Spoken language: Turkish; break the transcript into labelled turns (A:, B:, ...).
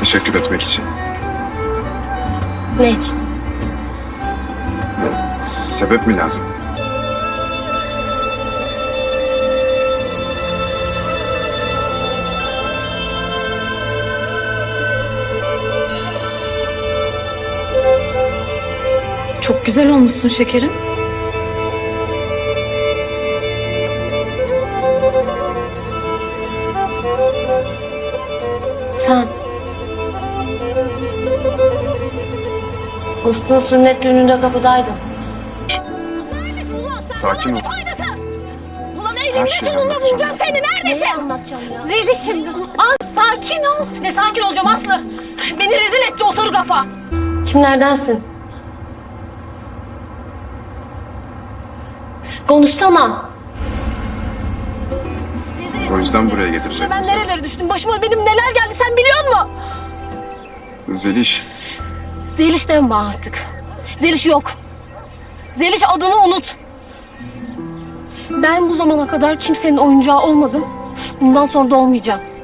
A: teşekkür etmek için.
B: Ne için?
A: Sebep mi lazım?
C: Çok güzel olmuşsun şekerim.
B: Sen. Mıstık'ın sünnet düğününde kapıdaydın.
A: Sakin ol.
D: Ulan
A: Her
D: eğlenme
A: şeyi
D: sonunda
A: anlatacağım
D: bulacağım
A: ben
D: seni.
A: sana.
D: Neredesin?
B: Neyi anlatacağım ya?
D: Zeliş'im kızım. Az sakin ol. Ne sakin olacağım Aslı? Beni rezil etti o soru kafa.
B: Kimlerdensin? Konuşsana.
D: Rezil etti
A: O yüzden
D: beni.
A: buraya getirecektim
D: Ben
A: seni.
D: nerelere düştüm? Başıma benim neler geldi sen biliyor musun?
A: Zeliş,
D: Zeliş deme artık. Zeliş yok. Zeliş adını unut. Ben bu zamana kadar kimsenin oyuncağı olmadım. Bundan sonra da olmayacağım.